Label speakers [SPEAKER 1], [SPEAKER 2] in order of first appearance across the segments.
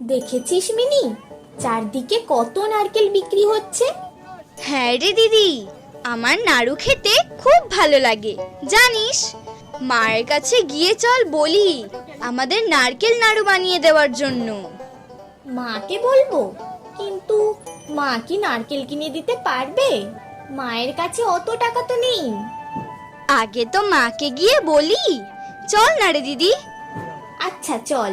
[SPEAKER 1] দেখেছিস মিনি, চারদিকে কত নারকেল বিক্রি হচ্ছে।
[SPEAKER 2] হ্যাঁ রে দিদি, আমার নাড়ু খেতে খুব ভালো লাগে জানিস। মায়ের কাছে গিয়ে চল বলি আমাদের নারকেল নাড়ু বানিয়ে দেওয়ার জন্য।
[SPEAKER 1] মাকে বলবো, কিন্তু মা কি নারকেল কিনে দিতে পারবে? মায়ের কাছে অত টাকা তো নেই।
[SPEAKER 2] আগে তো মাকে গিয়ে বলি, চল না রে দিদি।
[SPEAKER 1] আচ্ছা চল।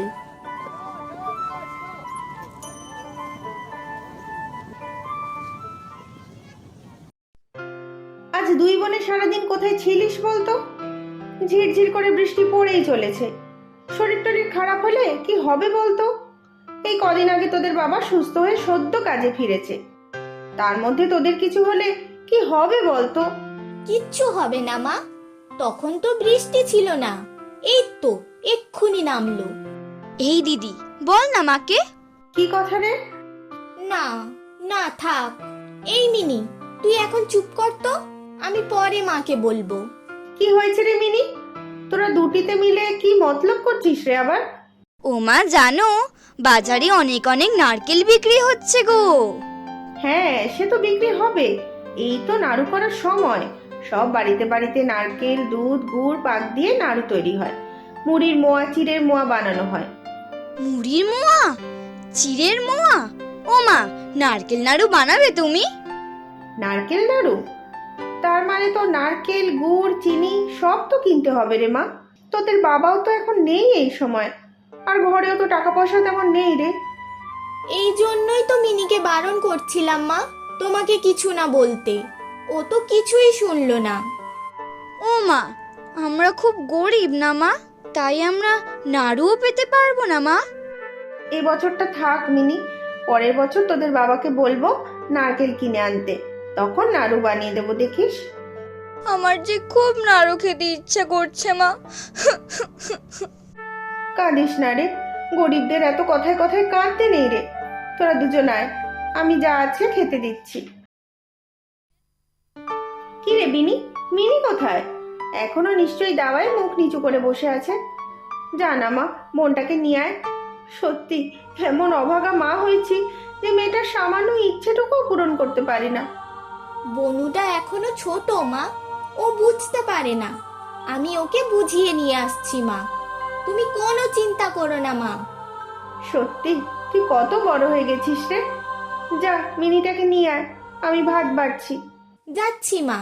[SPEAKER 3] আজ দুই বোনে সারাদিন কোথায় ছিলিস বলতো? ঝিরঝির করে বৃষ্টি পড়েই চলেছে। শরীর টরীর খারাপ হলে কি হবে বলতো? এই কদিন আগে তোদের বাবা সুস্থ হয়ে সদ্য কাজে ফিরেছে, তার মধ্যে তোদের কিছু হলে কি হবে বলতো?
[SPEAKER 1] কিচ্ছু হবে না মা, তখন তো বৃষ্টি ছিল না, এই তো এক্ষুনি নামলো।
[SPEAKER 2] এই দিদি বল না মাকে।
[SPEAKER 3] কি কথা রে?
[SPEAKER 1] না না থাক। এই মিনি, তুই এখন চুপ কর তো, আমি পরে মাকে বলবো।
[SPEAKER 3] কি হয়েছে রে মিনি? তোরা দুটিতে মিলে কি মতলব করছিস রে আবার?
[SPEAKER 2] ও মা জানো, বাজারে অনেক অনেক নারকেল বিক্রি হচ্ছে গো।
[SPEAKER 3] হ্যাঁ, সে তো বিক্রি হবে, এই তো নাড়ু করার সময়। সব বাড়িতে বাড়িতে নারকেল, দুধ, গুড়, পাক দিয়ে নাড়ু তৈরি হয়। মুড়ির মোয়া, চিড়ের মোয়া বানানো হয়।
[SPEAKER 2] মুড়ির মোয়া, চিড়ের মোয়া? ও মা, নারকেল নাড়ু বানাবে তুমি?
[SPEAKER 3] নারকেল নাড়ু? তার মানে তো নারকেল, গুড়, চিনি সব তো কিনতে হবে রে মা। তোদের বাবাও তো এখন নেই এই সময়, আর ঘরেও তো টাকা পয়সা তেমন নেই রে।
[SPEAKER 1] এই জন্যই তো মিনিকে বারণ করছিলাম মা, তোমাকে কিছু না বলতে। ও তো কিছুই শুনলো না।
[SPEAKER 2] ও মা, আমরা খুব গরিব না মা, তাই আমরা নাড়ুও পেতে পারবো না মা।
[SPEAKER 3] এই বছরটা থাক মিনি, পরের বছর তোদের বাবাকে বলবো নারকেল কিনে আনতে, তখন নাড়ু বানিয়ে দেবো, দেখিস।
[SPEAKER 2] আমার যে খুব নাড়ু খেতে ইচ্ছা করছে মা।
[SPEAKER 3] কাঁদিস না রে, গরিবদের এত কথায় কথায় কাঁদতে নেই রে। তোরা দুজন আয়, আমি যা আছে খেতে দিচ্ছি। কি রে বিনি, মিনি কোথায়? এখনো নিশ্চয়ই দাওয়ায় মুখ নিচু করে বসে আছে। জানা মা, বোনটাকে নিয়ে আয়। সত্যি এমন অভাগা মা হয়েছি যে মেয়েটার সামান্য ইচ্ছেটুকুও পূরণ করতে পারি না।
[SPEAKER 1] বনুটা এখনো ছোট মা, ও বুঝতে পারে না। আমি ওকে বুঝিয়ে নিয়ে আসছি মা, তুমি কোনো চিন্তা করো না মা।
[SPEAKER 3] সত্যি তুই কত বড় হয়ে গেছিস রে। যা মিনিটাকে নিয়ে আয়, আমি ভাত বাড়ছি।
[SPEAKER 1] যাচ্ছি মা।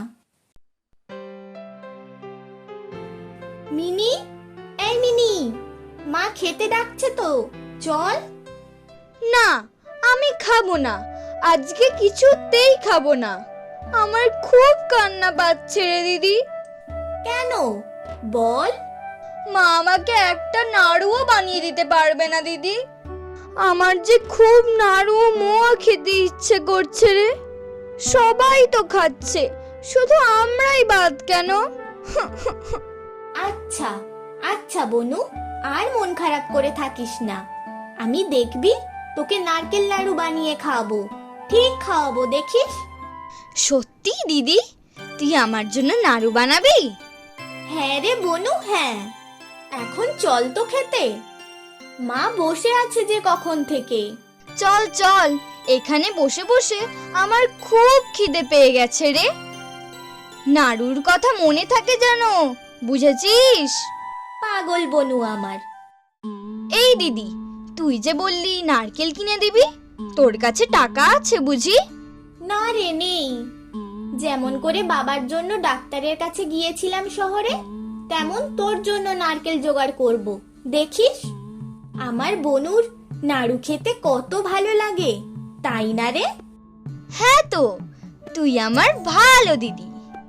[SPEAKER 1] মিনি, এই মিনি, মা খেতে ডাকছে তো, চল।
[SPEAKER 2] না, আমি খাবো না, আজকে কিছুতেই খাবো না। আমার খুব কান্না পাচ্ছে রে দিদি।
[SPEAKER 1] কেন বল?
[SPEAKER 2] মা আমাকে একটা নাড়ুও বানিয়ে দিতে পারবে না দিদি। আমার যে খুব নাড়ু মোয়া খেতে ইচ্ছে করছে রে। সবাই তো খাচ্ছে, শুধু আমরাই বাদ কেন?
[SPEAKER 1] আচ্ছা আচ্ছা বনু, আর মন খারাপ করে থাকিস না। আমি দেখবি তোকে নারকেল নাড়ু বানিয়ে খাওয়াবো, ঠিক খাওয়াবো, দেখিস।
[SPEAKER 2] সত্যি দিদি, তুই আমার জন্য নাড়ু বানাবি?
[SPEAKER 1] হ্যাঁ রে বনু, হ্যাঁ। এখন চল তো খেতে, মা বসে আছে যে কখন থেকে।
[SPEAKER 2] চল চল, এখানে বসে বসে আমার খুব খিদে পেয়ে গেছে রে। নাড়ুর কথা মনে থাকে যেন, বুঝেছিস?
[SPEAKER 1] পাগল বনু আমার।
[SPEAKER 2] এই দিদি, তুই যে বললি নারকেল কিনে দিবি, তোর কাছে টাকা আছে বুঝি?
[SPEAKER 1] না রে, নেই। যেমন করে বাবার জন্য ডাক্তারের কাছে গিয়েছিলাম শহরে, তেমন তোর জন্য নারকেল জোগাড় করব, দেখিস। আমার বনুর নাড়ু খেতে কত ভালো লাগে, তাই না রে?
[SPEAKER 2] হ্যাঁ তো, তুই আমার ভালো দিদি।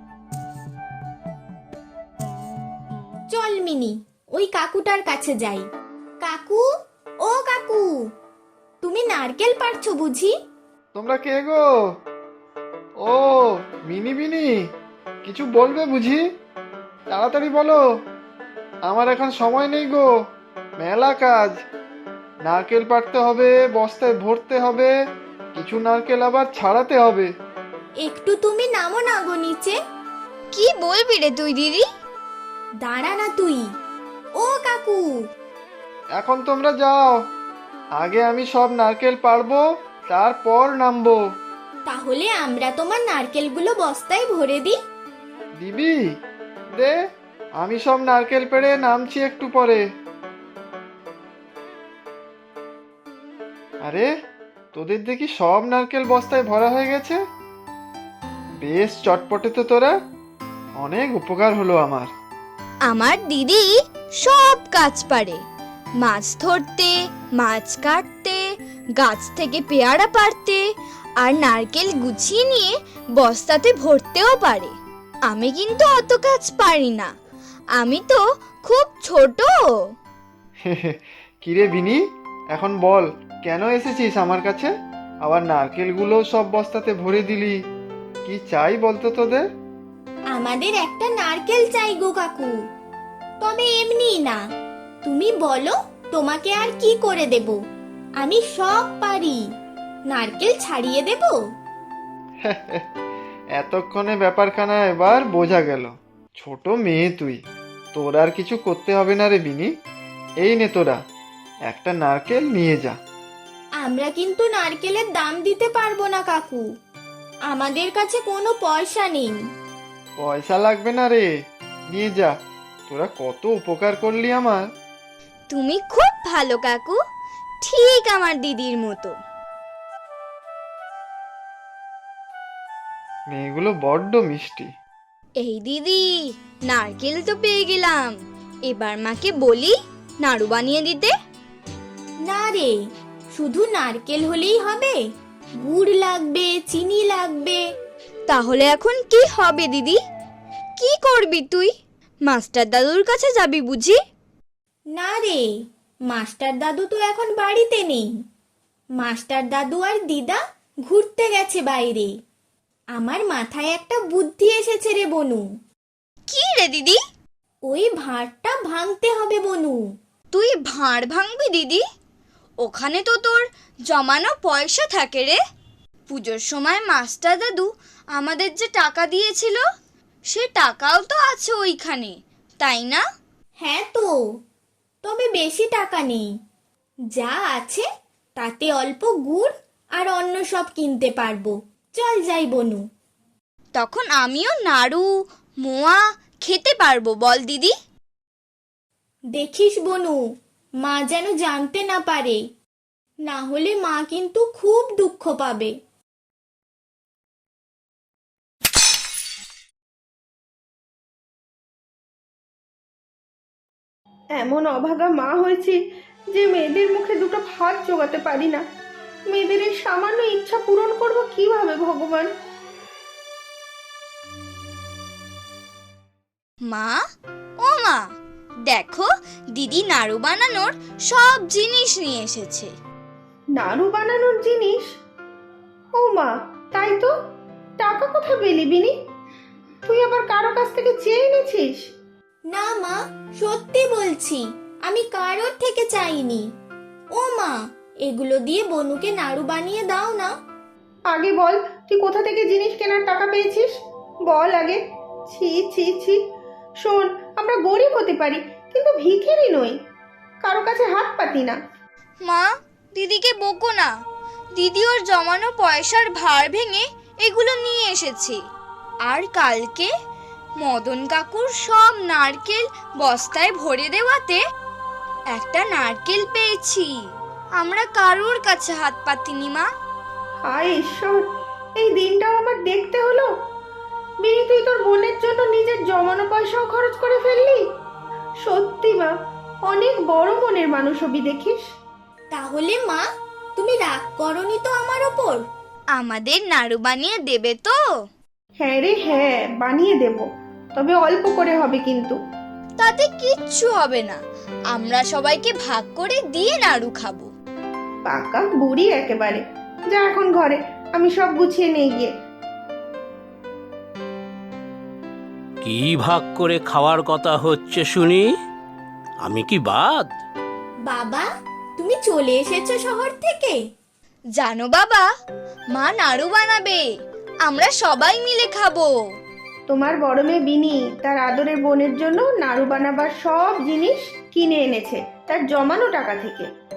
[SPEAKER 1] চল মিনি, ওই কাকুটার কাছে যাই। কাকু, ও কাকু, তুমি নারকেল পাড়ছো বুঝি?
[SPEAKER 4] তোমরা কে গো? ও মিনি বিনি, কিছু বলবে বুঝি? তাড়াতাড়ি বলো, আমার এখন সময় নেই গো, মেলা কাজ। নারকেল পাড়তে হবে, বস্তায় ভরতে হবে, কিছু নারকেল আবার ছাড়াতে হবে।
[SPEAKER 1] একটু তুমি নামো না গো নিচে।
[SPEAKER 2] কি বলবি রে তুই দিদি?
[SPEAKER 1] দাঁড়া না তুই। ও কাকু,
[SPEAKER 4] এখন তোমরা যাও, আগে আমি সব নারকেল পারবো, তারপর নামবো।
[SPEAKER 1] তাহলে আমরা তোমার নারকেলগুলো বস্তায় ভরে দিই।
[SPEAKER 4] দিবি? দে, আমি সব নারকেল পেড়ে নামছি একটু পরে। আরে, তোদের দেখি সব নারকেল বস্তায় ভরা হয়ে গেছে। বেশ চটপটে তো তোরা, অনেক উপকার হলো আমার।
[SPEAKER 2] আমার দিদি সব কাজ পারে, মাছ ধরতে, মাছ কাটতে, গাছ থেকে পেয়ারা পাড়তে, আর নারকেল গুছিয়ে নিয়ে বস্তাতে ভরতেও পারে। আমি কিন্তু অত কাজ পারি না, আমি তো খুব ছোট।
[SPEAKER 4] কিরে বিনি, এখন বল কেন এসেছিস আমার কাছে? আবার নারকেলগুলো সব বস্তাতে ভরে দিলি। কি চাই বলতো তোদের?
[SPEAKER 1] আমাদের একটা নারকেল চাই গো কাকু, তবে এমনি না। তুমি বলো তোমাকে আর কি করে দেব? আমি সব পারি, নারকেল ছাড়িয়ে দেব।
[SPEAKER 4] এতক্ষণে ব্যাপারখানা এবার বোঝা গেল। ছোট মেয়ে তুই, তোর আর কিছু করতে হবে না রে বিনি। এই নে তোরা, একটা নারকেল নিয়ে যা।
[SPEAKER 1] আমরা কিন্তু নারকেলের দাম দিতে পারবো না কাকু, আমাদের কাছে কোনো পয়সা নেই।
[SPEAKER 4] পয়সা লাগবে না রে, নিয়ে যা। তোরা কত উপকার করলি আমার।
[SPEAKER 2] তুমি খুব ভালো কাকু, ঠিক আমার দিদির মতো।
[SPEAKER 4] মেয়েগুলো বড্ড মিষ্টি।
[SPEAKER 2] এই দিদি, নারকেল তো পেয়ে গেলাম, এবার মাকে বলি নাড়ু বানিয়ে দিতে।
[SPEAKER 1] না রে, শুধু নারকেল হলেই হবে? গুড় লাগবে, চিনি লাগবে।
[SPEAKER 2] তাহলে এখন কি হবে দিদি? কি করবি তুই? মাস্টার দাদুর কাছে যাবি বুঝি?
[SPEAKER 1] না রে, মাস্টার দাদু তো এখন বাড়িতে নেই। মাস্টার দাদু আর দিদা ঘুরতে গেছে বাইরে। আমার মাথায় একটা বুদ্ধি এসেছে রে বনু।
[SPEAKER 2] কি রে দিদি?
[SPEAKER 1] ওই ভাঁড়টা ভাঙতে হবে বনু।
[SPEAKER 2] তুই ভাঁড় ভাঙবি দিদি? ওখানে তো তোর জমানো পয়সা থাকে রে। পুজোর সময় মাস্টার দাদু আমাদের যে টাকা দিয়েছিল, সে টাকাও তো আছে ওইখানে, তাই না?
[SPEAKER 1] হ্যাঁ তো, তবে বেশি টাকা নেই। যা আছে তাতে অল্প গুড় আর অন্য সব কিনতে পারবো। চল যাই বনু।
[SPEAKER 2] তখন আমিও নাড়ু মোয়া খেতে পারবো বল দিদি?
[SPEAKER 1] দেখিস বনু, মা যেন জানতে না পারে, না হলে মা কিন্তু খুব দুঃখ পাবে।
[SPEAKER 3] এমন অভাগা মা হয়েছি যে মেয়েদের মুখে দুটো ভাত জোগাতে পারি না। মেয়েদের এই সামান্য ইচ্ছা পূরণ করব কিভাবে ভগবান?
[SPEAKER 2] মা, ও মা, দেখো দিদি নাড়ু বানানোর সব জিনিস নিয়ে এসেছে।
[SPEAKER 3] নাড়ু বানানোর জিনিস? ও মা, তাই তো। টাকা কোথায় পেলি বিনি? তুই আবার কারো কাছ থেকে চেয়ে এনেছিস?
[SPEAKER 1] না মা, সত্যি বলছি, আমি কারোর থেকে চাইনি। ও মা, এগুলো দিয়ে বনুকে নাড়ু বানিয়ে দাও না।
[SPEAKER 3] আগে বল, তুই কোথা থেকে জিনিস কেনার টাকা পেয়েছিস? বল আগে। ছি ছি ছি। শোন, আমরা গরিব হতে পারি, কিন্তু ভিখারি নই। কারো কাছে হাত পাতি না।
[SPEAKER 2] মা, দিদিকে বকো না। দিদি ওর জমানো পয়সার ভার ভেঙে এগুলো নিয়ে এসেছে। আর কালকে মদন কাকুর সব নারকেল বস্তায় ভরে দেওয়াতে একটা নারকেল পেয়েছি। আমরা কারোর কাছে হাত পাতিনি মা।
[SPEAKER 3] হায় ঈশ্বর, এই দিনটাও আমার দেখতে হলো। বিনি, তুই তোর বোনের জন্য নিজের জমানো পয়সাও খরচ করে ফেললি। সত্যি মা, অনেক বড় মনের মানুষ হবি দেখিস।
[SPEAKER 1] তাহলে মা, তুমি রাগ করনি তো আমার ওপর?
[SPEAKER 2] আমাদের নাড়ু বানিয়ে দেবে তো?
[SPEAKER 3] হ্যাঁ রে হ্যাঁ, বানিয়ে দেব, তবে অল্প করে হবে কিন্তু।
[SPEAKER 2] তাতে কিচ্ছু হবে না, আমরা সবাইকে ভাগ করে দিয়ে নাড়ু খাবো।
[SPEAKER 3] পাকা বুড়ি একেবারে। যা এখন ঘরে, আমি সব গুছিয়ে নিয়ে গিয়ে।
[SPEAKER 5] কি ভাগ করে খাওয়ার কথা হচ্ছে শুনি? আমি কি বাদ?
[SPEAKER 1] বাবা, তুমি চলে এসেছো শহর থেকে?
[SPEAKER 2] জানো বাবা, মা নাড়ু বানাবে, আমরা সবাই মিলে খাবো।
[SPEAKER 3] তোমার বড় মেয়ে বিনি তার আদরের বোনের জন্য নাড়ু বানাবার সব জিনিস কিনে এনেছে তার জমানো টাকা থেকে।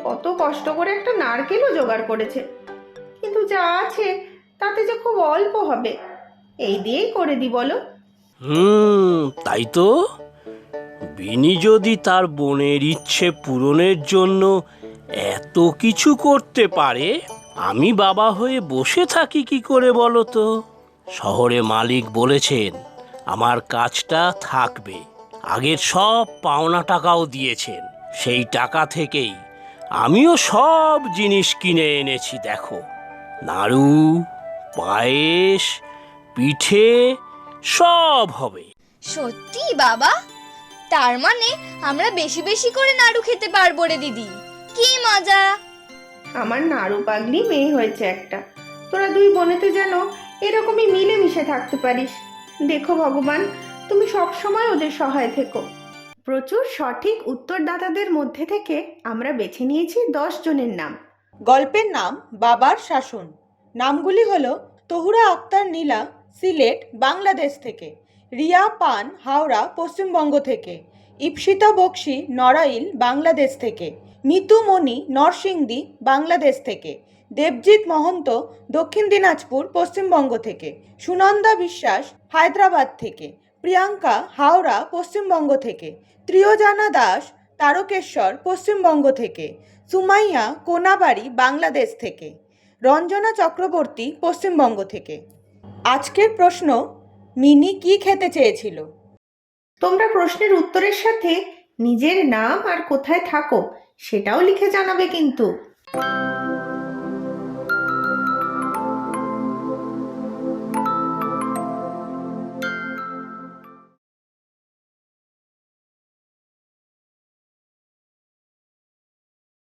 [SPEAKER 3] কত কষ্ট করে একটা নারকেলও জোগাড় করেছে, কিন্তু যা আছে তাতে যে খুব অল্প হবে। এই দিয়েই করে দি বলো।
[SPEAKER 5] তাই তো। বিনি যদি তার বোনের ইচ্ছে পূরণের জন্য এত কিছু করতে পারে, আমি বাবা হয়ে বসে থাকি কি করে বলো তো? শহরে মালিক বলেছেন আমার কাজটা থাকবে, আগের সব পাওনা টাকাও দিয়েছেন। সেই টাকা থেকেই আমিও সব জিনিস কিনে এনেছি। দেখো, নাড়ু, পায়েস, পিঠে সব হবে।
[SPEAKER 2] সত্যি বাবা? তার মানে আমরা বেশি বেশি করে নাড়ু খেতে পারবো রে দিদি, কি মজা!
[SPEAKER 3] আমার নাড়ু পাগলি মেয়ে হয়েছে একটা। তোরা দুই বোনেতে যেন এরকমই মিলেমিশে থাকতে পারিস। দেখো ভগবান, তুমি সব সময় ওদের সহায় থেকো। প্রচুর সঠিক উত্তরদাতাদের মধ্যে থেকে আমরা বেছে নিয়েছি 10 জনের নাম।
[SPEAKER 6] গল্পের নাম বাবার শাসন। নামগুলি হলো তহুরা আক্তার নীলা, সিলেট, বাংলাদেশ থেকে; রিয়া পান, হাওড়া, পশ্চিমবঙ্গ থেকে; ইপসিতা বক্সি, নড়াইল, বাংলাদেশ থেকে; মিতু মণি, নরসিংদী, বাংলাদেশ থেকে; দেবজিৎ মহন্ত, দক্ষিণ দিনাজপুর, পশ্চিমবঙ্গ থেকে; সুনন্দা বিশ্বাস, হায়দ্রাবাদ থেকে; প্রিয়াঙ্কা, হাওড়া, পশ্চিমবঙ্গ থেকে; ত্রিয়োজানা দাস, তারকেশ্বর, পশ্চিমবঙ্গ থেকে; সুমাইয়া, কোনাবাড়ি, বাংলাদেশ থেকে; রঞ্জনা চক্রবর্তী, পশ্চিমবঙ্গ থেকে। আজকের প্রশ্ন, মিনি কি খেতে চেয়েছিল?
[SPEAKER 3] তোমরা প্রশ্নের উত্তরের সাথে নিজের নাম আর কোথায় থাকো সেটাও লিখে জানাবে কিন্তু।